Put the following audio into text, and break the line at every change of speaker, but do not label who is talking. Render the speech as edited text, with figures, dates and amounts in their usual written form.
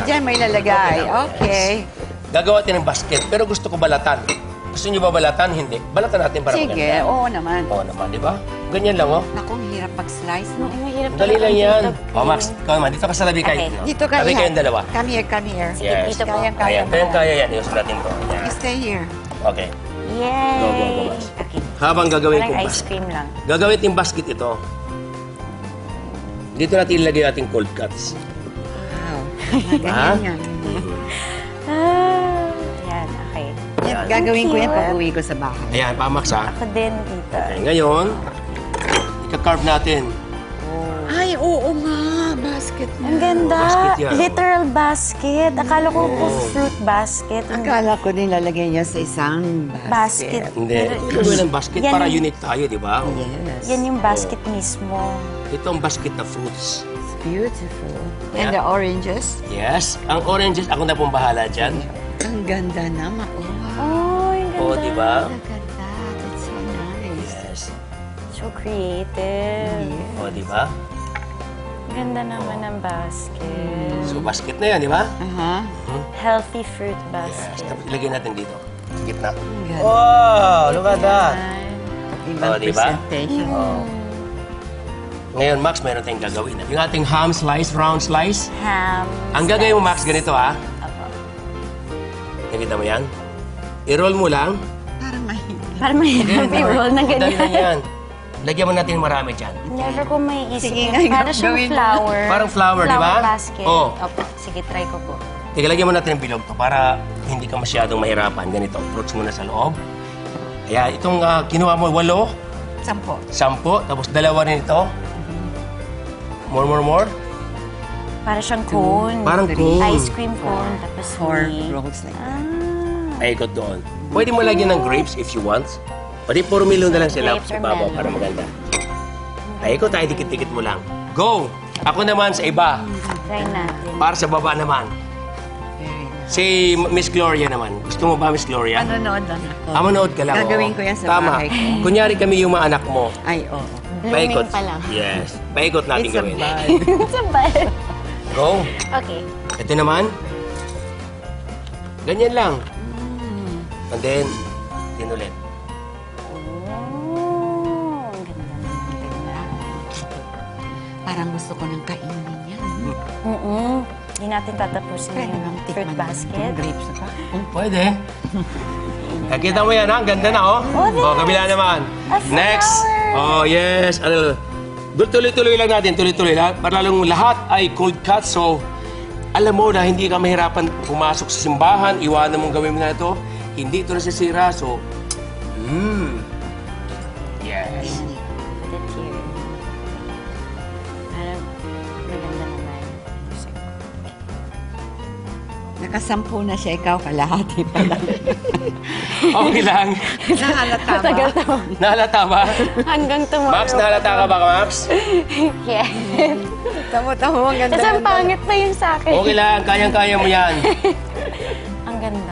dyan may lalagay. Okay.
Gagawa tayo ng basket, pero gusto ko balatan. Gusto niyo ba balatan? Hindi. Balatan natin para
Sige,
maganda.
oo naman.
Oo naman, di ba? Ganyan lang, oh.
Naku, hirap pag-slice, no?
Mahirap
Dali lang yan.
dito.
Oh, Max, ikaw naman. Dito ka sa labi kayo.
Okay.
Dito ka
Tabi
ihan.
kayong dalawa.
Come here, come here.
Yes.
Dito po.
Kaya
Ayan, kaya yan. Iusap natin to. Ayan.
You stay here.
Okay.
Yay!
Go, go, go, Max.
Okay.
Habang gagawin
Parang
kong
ice
basket.
cream lang.
Gagawin yung basket ito. Dito natin ilagay ating cold cuts.
Wow.
Ha?
Ganyan yan.
Yan, okay.
Yan, gagawin ko yan pag uwi ko sa bahay.
Ayan, pa Max, ha?
Ako din dito.
Okay, ngayon, ika-carve natin.
Ay, oo nga. Basket na.
Ang ganda.
basket yan.
Literal basket. Akala ko po
Oo.
fruit basket.
Akala ko din lalagay niya sa isang
Basket.
basket.
Hindi. Gagawin ng basket
Yan
para
yung-
unique tayo, di ba?
Yes.
Yan yung basket mismo.
Ito ang basket na fruits.
It's beautiful.
Yeah.
And the oranges.
Yes. Ang oranges, ako na pong bahala dyan.
Ang ganda naman. Oh, wow.
Oh, ang ganda.
Oo, di ba?
Look at that. It's so nice.
Yes.
So creative.
O, di ba?
Ganda naman ng basket.
So, basket na yan, di ba?
Aha.
Healthy fruit
Yes.
basket.
Tapos ilagay natin dito. Gitna.
Ang ganda.
Wow! Look at that!
Ibang
Oh, diba?
presentation.
Oh. Ngayon, Max, meron tayong gagawin. Yung ating ham slice, round slice.
Ham.
Ang gagawin mo, Max, ganito, ha?
Apo.
Nakita mo yan? I-roll mo lang.
Parang mahirap.
Para mahirap i-roll na
Dali lang
ganyan.
yan. Lagyan mo natin marami dyan.
Never ko may isip
Sige
yun.
nga,
Para siyang
gawin mo.
flower.
Parang flower, di ba?
Flower basket.
Oo.
Opo. Sige, try ko po.
Teka, lagyan mo natin ng bilog to para hindi ka masyadong mahirapan. Ganito, fruits muna sa loob. Kaya itong kinuha mo, 8,
10.
10, tapos 2 rin ito. More.
Para siyang cone.
Parang cone.
Ice cream cone. Tapos
4
may...
rolls like that.
Ah.
Paikot doon. Pwede mo lagyan ng grapes if you want. O di, puro melon na lang sila
Grapes
sa
or
babaw
melon.
para maganda. Paikot tayo, dikit-dikit mo lang. Go! Ako naman sa iba.
Try natin.
Para sa baba naman.
Very nice.
Si Miss Gloria naman. Gusto mo ba, Miss Gloria?
Manonood lang ako.
Manood ka lang.
Gagawin
oo.
ko yan sa
Tama.
bahay ko.
Kunyari kami yung mga anak mo.
Ay, oo.
Paikot.
Blooming pa lang.
Yes. Paikot natin
It's a
gawin.
bud.
It's a bad.
Go.
Okay.
Ito naman. Ganyan lang. And then, din ulit.
Oh, ang ganda naman.
Parang gusto ko nang kainin yan.
Hindi natin tatapusin
Pwede
yung
bang
fruit
tikman
basket.
yung grapes na pa?
Pwede. Nakita mo yan, ha? Ang ganda na, oh.
Oh,
Kabila naman.
a flower.
Next. Oh, yes. Tuloy-tuloy lang natin. Tuloy-tuloy lang. Para lalong lahat ay cold cut. So, alam mo na hindi ka mahirapan pumasok sa simbahan. Iwanan mong gawin mo na ito. Hindi ito nasisira. So, yes.
Put it here. Parang maganda naman.
Nakasampu na siya, ikaw kalahati pa lang.
Okay lang.
Nahalata ba?
Tagal to.
Nahalata ba?
Hanggang tomorrow.
Max, nahalata ka ba, Max?
Yeah.
Tamo-tamo, ang ganda.
Kasi ang pangit na yung sa akin.
Okay lang. Kayang-kaya mo yan.